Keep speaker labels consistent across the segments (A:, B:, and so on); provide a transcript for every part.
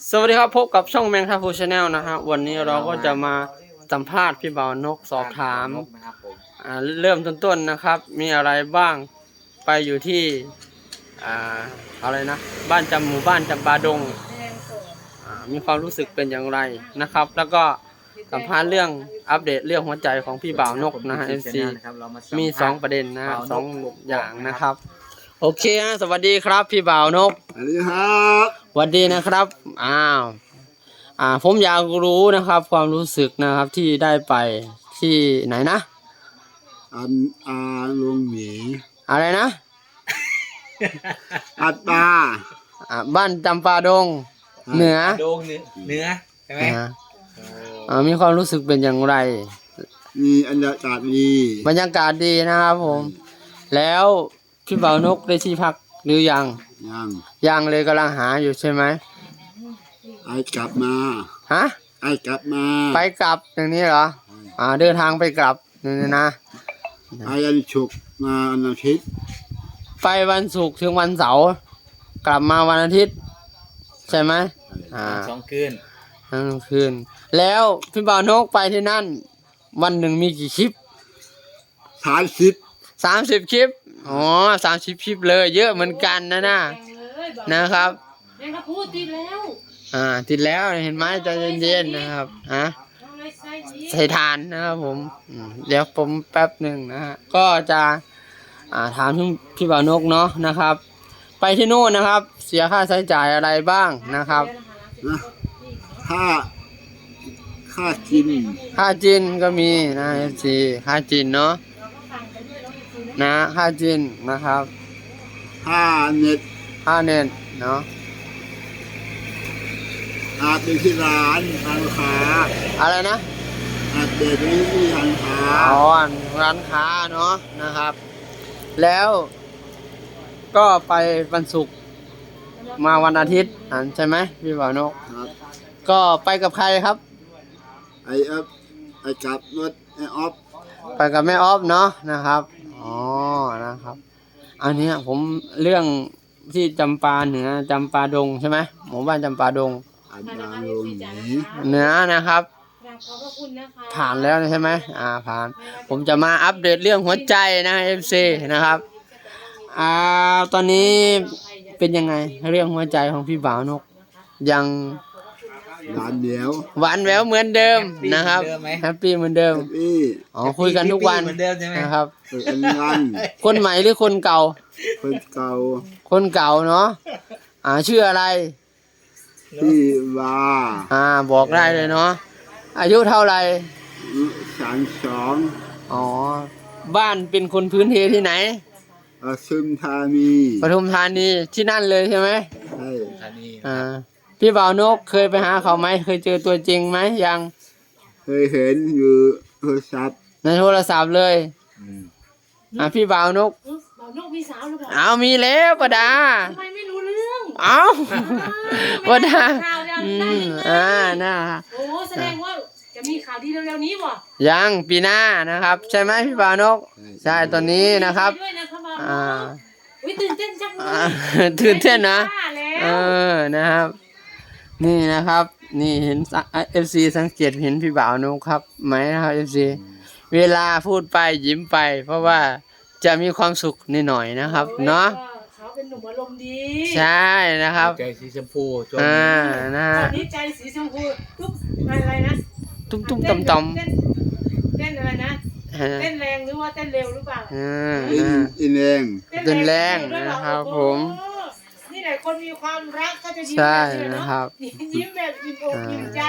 A: สวัสดีครับพบกับช่องแมงทัพพูชาแนลนะฮะวันนี้เราก็จะมาสัมภาษณ์พี่บ่าวนกสอบถามเริ่มต้นๆนะครับมีอะไรบ้างไปอยู่ที่อะไรนะหมู่บ้านจำปาดงมีความรู้สึกเป็นอย่างไรนะครับแล้วก็สัมภาษณ์เรื่องอัปเดตเรื่องหัวใจของพี่บ่าวนกนะฮะ FC มี2ประเด็นนะสองอย่างนะครับโอเคฮะสวัสดีครับพี่บ่าวนก
B: สวัสดีครับ
A: สวัสดีนะครับผมอยากรู้นะครับความรู้สึกนะครับที่ได้ไปที่ไหนนะ
B: ลุงหมี
A: อะไรนะ
B: อัตตา
A: บ้านจำปาดงเหนือ
C: ดงเหนือใช่ไหม
A: มีความรู้สึกเป็นอย่างไร
B: มีบรรยากาศดี
A: นะครับผมแล้วพี่บ่าวนกได้ที่พักหรือยังเลยกำลังหาอยู่ใช่ไหม
B: กลับมา
A: ฮะ
B: กลับมา
A: ไปกลับอย่างนี้เหรอเดินทางไปกลับนี่นะ
B: ไปวันศุกร์มาวันอาทิตย์
A: ไปวันศุกร์ถึงวันเสาร์กลับมาวันอาทิตย์ใช่ไหม
C: 2 คืน
A: แล้วพี่บ่าวนกไปที่นั่นวันหนึ่งมีกี่คลิป30คลิป30คลิปเลยเยอะเหมือนกันนะครับ
D: แม่งก็พูดติดแล้ว
A: ติดแล้วเห็นไหมใจเย็นๆนะครับใส่ทานนะครับผมเดี๋ยวผมแป๊บหนึ่งนะฮะก็จะถามพี่บ่าวนกเนาะนะครับไปที่โน่นนะครับเสียค่าใช้จ่ายอะไรบ้างนะครับ
B: ค่าจิน
A: ก็มีนะFCค่าจินเนาะค่าจินนะครับ
B: ค่าเน็ต
A: เนาะ
B: เป็นที่ร้านค้า
A: อะไรนะ
B: เด็กที่ร้านค้า
A: ร้านค้าเนาะนะครับแล้วก็ไปวันศุกร์มาวันอาทิตย์ใช่ไหมพี่บ่าวนกก็ไปกับใครครับ
B: กับรถออฟ
A: ไปกับแม่ออฟเนาะนะครับนะครับอันนี้ผมเรื่องที่จำปาเหนือจำปาดงใช่ไหมหมู่บ้านจำปาดงเหนือนะครับผ่านแล้วใช่ไหมผ่านผมจะมาอัปเดตเรื่องหัวใจนะ FC นะครับตอนนี้เป็นยังไงเรื่องหัวใจของพี่บ่าวนกยัง
B: หวานแ
A: หววเหมือนเดิมนะครับแฮปปี้เหมือนเดิมคุยกันทุกวันนะครับคนใหม่หรือคนเก่าคนเก่าเนาะชื่ออะไร
B: พี่
A: บอกได้เลยเนาะอายุเท่าไหร่
B: 32
A: บ้านเป็นคนพื้นเพที่ไหน
B: ปทุมธานี
A: ที่นั่นเลยใช่ไหม
B: ใช่
A: พี่บ่าวนกเคยไปหาเขาไหมเคยเจอตัวจริงไหมยัง
B: เคยเห็นอยู่
A: ในโทรศัพท์เลยพี่บ่าวนก
D: มีสาวหรือเปล่า
A: มีแล้วปะดา
D: ทำไมไม่รู้เรื่อง
A: ปะดา
D: น่าโอ้แสดงว่าจะมีข่าวดีเร็วๆนี้บ่
A: ยังปีหน้านะครับใช่ไหมพี่บ่าวนกใช่ตอนนี้นะครับ
D: ตื่นเต้นจัง
A: ตื่นเต้นนะนะครับนี่นะครับนี่เห็น FC สังเกตเห็นพี่บ่าวนกครับไหมนะครับ FC เวลาพูดไปยิ้มไปเพราะว่าจะมีความสุขนิดหน่อยนะครับเนาะ
D: เขาเป็นหนุ่มอารมณ์ดี
A: ใช่นะครับ
C: ใจสีชมพู
A: นะ
D: ตอนนี้ใจสีชมพูตุ๊บอะไรนะ
A: ตุ้มต่อม
D: เต้นอะไรนะเต้นแรงหรือว่าเต้นเร็วหรือเปล่า
B: เต้น
A: แรงนะครับผม
D: นี่แหละคนมีความรักก็จะยิ้ม
A: ใช่นะครับ
D: ยิ้มแบบยิ้มอกยิ้มใจ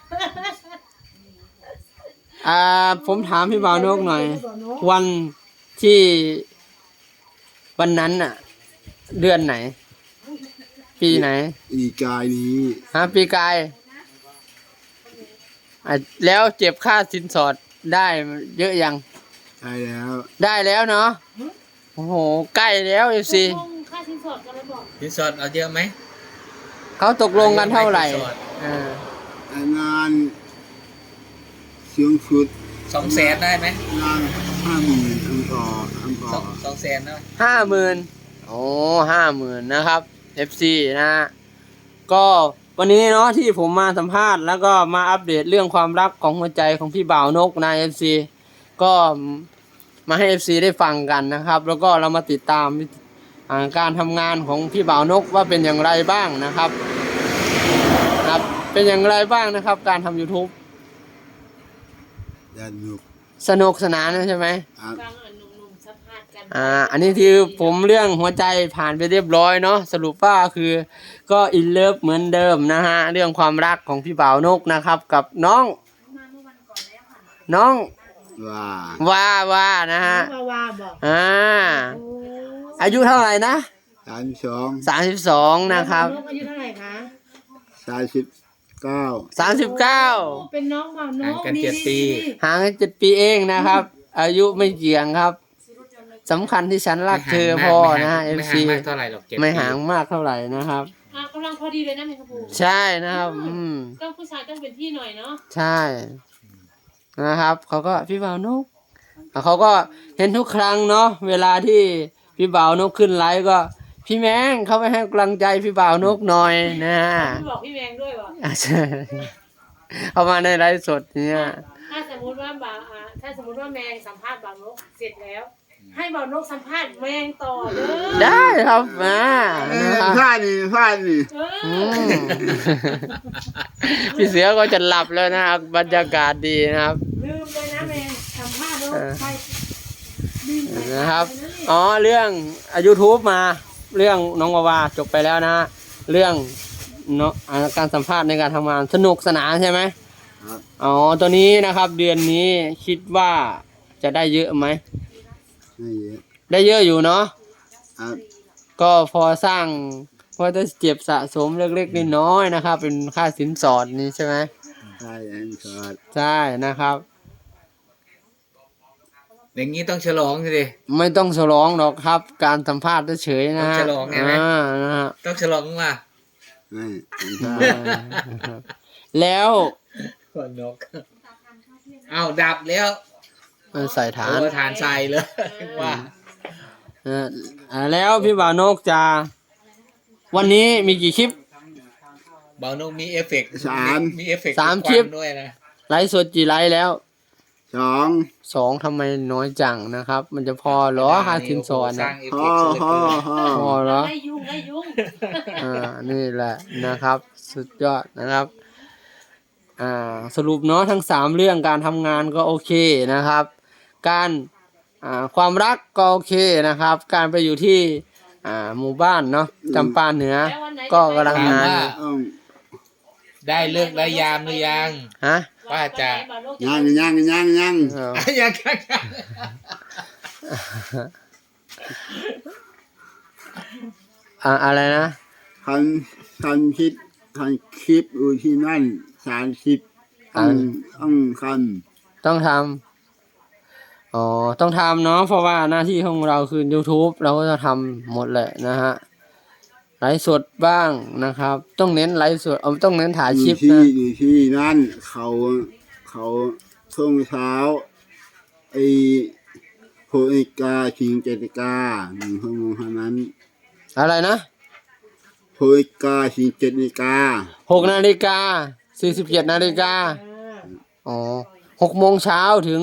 A: ผมถามพี่บ่าวนกหน่อยวันที่วันนั้นเดือนไหนปีไหน
B: ปีกายนี้
A: ปีกายแล้วเจ็บค่าสินสอดได้เยอะยังได้แล้วเนาะโอ้โหใกล้แล้วสิ
D: ค่าสินสอดกันแล้วบอก
C: สินสอดเอาเยอะไหม
A: เขาตกลงกันเท่าไหร่
B: งานสูงสุด
C: 200,000ได้ไหม
B: งาน50,000อังกอร์
C: 200,000นะ
A: 50,000 50,000นะครับ FC นะก็วันนี้เนาะที่ผมมาสัมภาษณ์แล้วก็มาอัปเดตเรื่องความรักของหัวใจของพี่บ่าวนกนาย FC ก็มาให้ FC ได้ฟังกันนะครับ แล้วก็เรามาติดตามการทำงานของพี่บ่าวนกว่าเป็นอย่างไรบ้างนะครับเป็นอย่างไรบ้างนะครับ การทำ YouTube
B: สนุก
A: สนุกสนานนะใช่ไหม
B: ครับ
D: ฟังหนุ่มๆสัมภาษณ์กัน
A: อันนี้คือผมเรื่องหัวใจผ่านไปเรียบร้อยเนาะสรุปว่าคือก็อินเลิฟเหมือนเดิมนะฮะเรื่องความรักของพี่บ่าวนกนะครับ กับน้อง
B: ว่า
A: ว่านะฮะ
D: ว่าบอก
A: อายุเท่าไหร่นะ
B: 32
A: นะครับ
D: น้องอายุเท่าไหร่คะ
B: 39
A: 39
D: เป็นน้องบ่าวนก
C: ห่างกัน7 ปี
A: ห่างกัน7 ปีเองนะครับ อายุไม่เกี่ยงครับสำคัญที่ฉันรักเธอพอนะฮะ
C: ไม่
A: FC
C: ห่างมากเท่าไหร่หรอก7
A: ไม่
C: ปี
A: ห่างมากเท่าไหร่นะครับ
D: กำลังพอดีเลยนะแม่ครับผม
A: ใช่นะครับ
D: ก็ผู้ชายต้องเป็นพี่หน่อยเนาะ
A: ใช่นะครับเขาก็พี่บ่าวนกเขาก็เห็นทุกครั้งเนาะเวลาที่พี่บ่าวนกขึ้นไลฟ์ก็พี่แมงเขาไปให้กำลังใจพี่บ่าวนกหน่อยนะ
D: พี่บอกพี่แมงด้วยวะ
A: ใช่เขามาในไลฟ์สดเนี่ย
D: ถ้าสมมติว่าแมงสัมภาษณ์บ่าวนกเสร็จแล้ว ให้บ่าวนกสัมภาษณ์แมงต่อเด้อ
A: ได้ครับมา
B: พลาดนี่
A: อืมพี่เสือก็จะหลับแล้วนะครับบรรยากาศดีนะครับ
D: ลืมเลยนะแมงสัมภาษณ์แล้วใครลืมไป
A: นะครับอ๋อเรื่องYouTube มาเรื่องน้องวาวาจบไปแล้วนะเรื่องเนาะการสัมภาษณ์ในการทำงานสนุกสนานใช่ไหม
B: ครับ
A: อ๋อตัวนี้นะครับเดือนนี้คิดว่าจะได้เยอะไหม
B: ไม่เยอะ
A: ได้เยอะอยู่เนาะ
B: ครับ
A: ก็พอสร้างพอจะเก็บสะสมเล็กๆน้อยๆนะครับ เป็นค่าสินสอดนี่ใช่ไหม
B: ใช่อันสอด
A: ใช่นะครับ
C: อย่างนี้ต้องฉลองสิ
A: ไม่ต้องฉลองหรอกครับ การสัมภาษณ์เฉยๆนะฮะ
C: ต้องฉลองไงไหม
A: นะฮะ
C: ต้องฉลองว่า
B: ไม่อันสอด
A: แล้ว
C: คนนกอ้าวดับแล้ว
A: ใส่ฐาน
C: โอ้ฐานใส่เลยว่า
A: แล้วพี่บ่าวนกจะวันนี้มีกี่คลิป
C: เบานกมีเอฟเฟกต์
B: 3
C: มีเอฟเฟกต์
A: 3 คลิป
C: ด้วยนะ
A: ไลฟ์สดกี่ไลฟ์แล้ว
B: 2
A: 2ทำไมน้อยจังนะครับ มันจะพอเหรอค่าสินสอด
C: สร้า
A: นะ
C: งเอฟเฟกต์สุดเลย
A: พอเหรอ
D: ไล่ยุง
A: นี่แหละนะครับ สุดยอดนะครับสรุปเนาะทั้ง3เรื่องการทำงานก็โอเคนะครับ การความรักก็โอเคนะครับ การไปอยู่ที่หมู่บ้านเนาะจำปาเหนือ ก็กำลังงาน
B: ต้อง
C: ได้เลิกได้ยามหรือยัง
A: ฮะ
C: ว่าจะ
B: ยัง
A: เออ
C: ยัง
A: อะไรนะ
B: ทำคลิปอยู่ที่นั่น30ต้องค
A: ต้องทำต้องทำเนาะเพราะว่าหน้าที่ของเราคือ YouTube เราก็จะทำหมดแหละนะฮะไลฟ์สดบ้างนะครับ ต้องเน้นไลฟ์สดต้องเน้นถ่าย
B: ำ
A: คลิป
B: อยู่
A: นะ
B: ที่นั่นเขาช่วงเช้าไอ้6 นาฬิกาถึง7 นาฬิกา1 ชั่วโมงเท่านั้น
A: อะไรนะ
B: 6 นาฬิกาถึง7 นาฬิกา
A: 6 นาฬิกา 47 นาฬิกา6 โมงเช้าถึง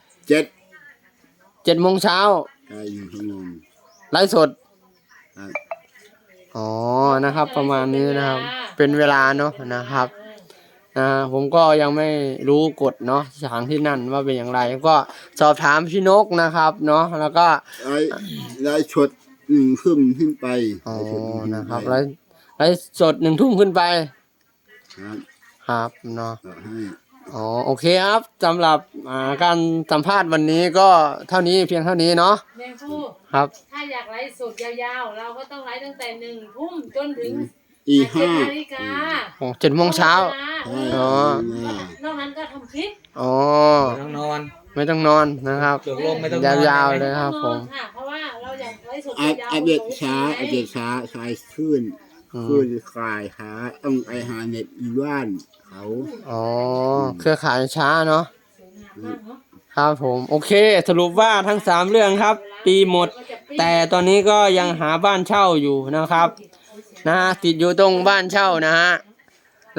B: 7
A: 7 โมงเช้า
B: ได้1 ชั่วโมง
A: ไลฟ์สด
B: ครับ
A: นะครับ ประมาณนี้นะครับ เป็นเวลาเนาะนะครับผมก็ยังไม่รู้กฎเนาะสถานที่นั่นว่าเป็นอย่างไร ก็สอบถามพี่นกนะครับเนาะแล้วก็
B: ได้ชด1 ทุ่มขึ้นไป
A: นะครับไลฟ์สด1 ทุ่มขึ้นไป
B: ครับ
A: ครับเนาะ
B: ต่อให้
A: โอเคครับสำหรับการสัมภาษณ์วันนี้ก็เท่านี้เพียงเท่านี้เนาะ
D: แมงผู้
A: ครับ
D: ถ้าอยากไลฟ์สดยาวๆ เราก็ต้องไลฟ์ตั้งแต่1 ทุ่มจนถึง
B: อี
D: 7 นาฬิกา
A: 7 โมงเช้า อ๋อ
D: นอกนั้นก็ทำคลิป
C: ต้องนอน
A: ไม่ต้องนอนนะครับ
C: ตกลงไม่ต้องนอน
A: ยาวๆเลยครับผม
D: ค่ะเพราะว่าเราอยากไลฟ์สด
B: อั
D: ยาว
B: ปเดตช้าชายขึ้นคลายหาต้องไปหาเน็ตอยู่บ้านเขา
A: เครือข่ายช้าเนาะครับผมโอเค สรุปว่าทั้ง3เรื่องครับ ปีหมด แต่ตอนนี้ก็ยังหาบ้านเช่าอยู่นะครับติดอยู่ตรงบ้านเช่านะฮะ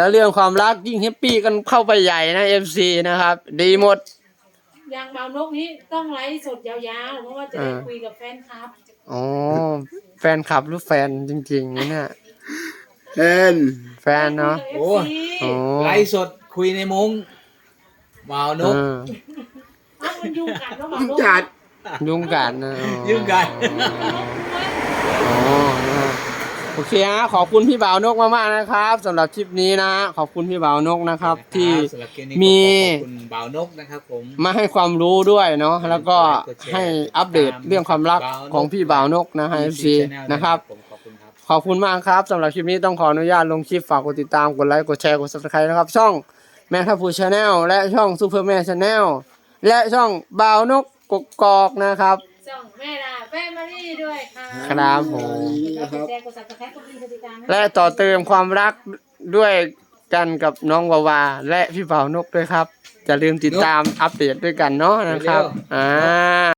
A: แล้วเรื่องความรักยิ่งแฮปปี้กันเข้าไปใหญ่นะ FC นะครับ ดีหมด
D: อย่างบ่าวนกนี้ต้องไลฟ์สดยาวๆเพราะว่าจะได้คุยกับแฟนคลับ
A: อ๋อแฟนคลับหรือแฟนจริงๆนะเนี่ย
B: เอ็น
A: แฟนเนาะ
D: โอ้
A: โอ้
C: ไลฟ์สดคุยในมุ้งบ่าวนก
D: เอามันยุ่งกันแล้วบ่าวนก
B: จัด
A: ยุ่งกันนะอ๋อ
C: ยุ่งกัน
A: อ๋อนะฮะโอเคฮะขอบคุณพี่บ่าวนกมากๆนะครับสำหรับคลิปนี้นะขอบคุณพี่บ่าวนกนะครับ ที่
C: สำหรับคลิปนี้
A: มี
C: ขอบคุณบ่าวนกนะครับผม
A: มาให้ความรู้ด้วยเนาะแล้วก็ให้อัปเดตเรื่องความรักของพี่บ่าวนกนะให้ FC นะครับ
C: ผมขอบคุณครับ
A: ขอบคุณมากครับสำหรับคลิปนี้ต้องขออนุญาตลงคลิปฝากกดติดตามกดไลค์กดแชร์กด Subscribe นะครับ ช่องแมงทัพพูชาแนลและช่องซูเปอร์แมนชาแนลและช่องบ่าวนกกกอกนะครับ
D: ส่งแม่ดาแฟมิลี่ด้วยค่ะ
A: ครับผม
D: กดแชร์กดซับสไครต์กดติดตามนะ
A: และต่อเติมความรักด้วยกันกับน้องวาวาและพี่บ่าวนกด้วยครับอย่าลืมติดตามอัปเดตด้วยกันเนาะนะครับ